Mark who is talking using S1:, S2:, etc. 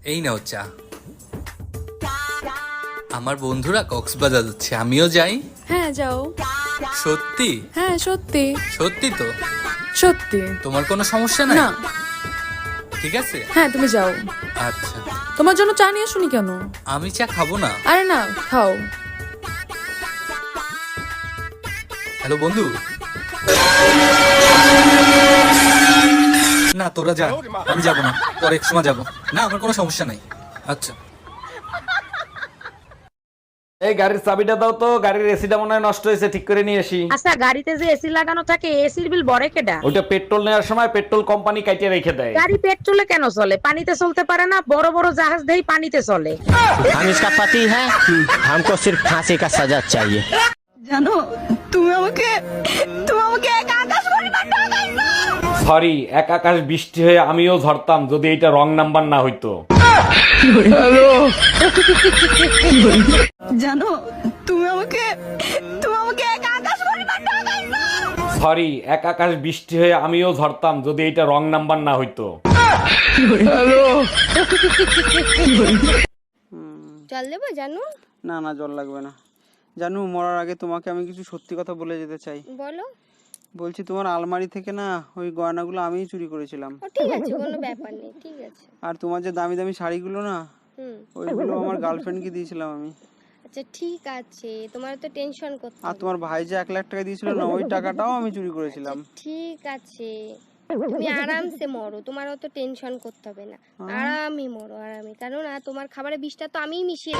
S1: এই নাও চা। আমার বন্ধুরা কক্সবাজার যাচ্ছে, আমিও যাই।
S2: হ্যাঁ যাও।
S1: সত্যি?
S2: হ্যাঁ সত্যি।
S1: সত্যি তো?
S2: সত্যি।
S1: তোমার কোনো সমস্যা নাই?
S2: না।
S1: ঠিক আছে।
S2: হ্যাঁ তুমি যাও।
S1: আচ্ছা।
S2: তোমার জন্য চা নিয়ে শুনি কেন?
S1: আমি চা খাবো না।
S2: আরে না, খাও।
S1: হ্যালো বন্ধু। না তোরা যা, আমি যাবো না, পরে এক সময় যাবো। না আমার কোনো সমস্যা নাই। আচ্ছা।
S3: এই গাড়ির চাবিটা দাও তো, গাড়ির এসিটা মনে হয় নষ্ট হয়েছে, ঠিক করে নিয়ে আসি।
S4: আচ্ছা গাড়িতে যে এসি লাগানো থাকে এসির বিল বড় কেডা?
S3: ওইটা পেট্রোল নেওয়ার সময় পেট্রোল কোম্পানি কাটিয়ে রেখে দেয়।
S4: গাড়ি পেট্রোলে কেন চলে? পানিতে চলতে পারে না? বড় বড় জাহাজ দেই পানিতে চলে।
S5: हम इसका पति है, हमको सिर्फ फांसी का सजा चाहिए।
S6: জানো তুমি আমাকে এক আকাশ পরিমাণ ঠকাইছো।
S3: সরি, এক আকাশ বৃষ্টি হয়ে আমিও ঝরতাম যদি এটা রং নাম্বার না হইতো।
S6: জানো তুমি আমাকে এক আকাশ পরিমাণ ঠকাইছো।
S3: সরি, এক আকাশ বৃষ্টি হয়ে আমিও ঝরতাম যদি এটা রং নাম্বার না হইতো।
S7: জল দেবো জানু?
S8: না না, জল লাগবে না। জানু, মরার আগে তোমাকে আমি কিছু সত্যি কথা বলে যেতে চাই।
S7: বলো।
S8: বলছি তোমার আলমারি থেকে না ওই গয়নাগুলো আমিই চুরি করেছিলাম।
S7: ও ঠিক আছে, কোনো ব্যাপার নেই, ঠিক আছে।
S8: আর তোমার যে দামি দামি শাড়িগুলো না, ওইগুলো আমার গার্লফ্রেন্ডকে দিয়েছিলাম আমি।
S7: আচ্ছা ঠিক আছে, তোমার তো টেনশন করতে
S8: আর তোমার ভাই যে 1 লাখ টাকা দিয়েছিল না, ওই টাকাটাও আমি চুরি করেছিলাম।
S7: ঠিক আছে, তুমি আরামসে মরো, তোমার অত টেনশন করতে হবে না। আরামই মরো, আরামই, কারণ তোমার খাবারে বিষটা তো আমিই মিশিয়ে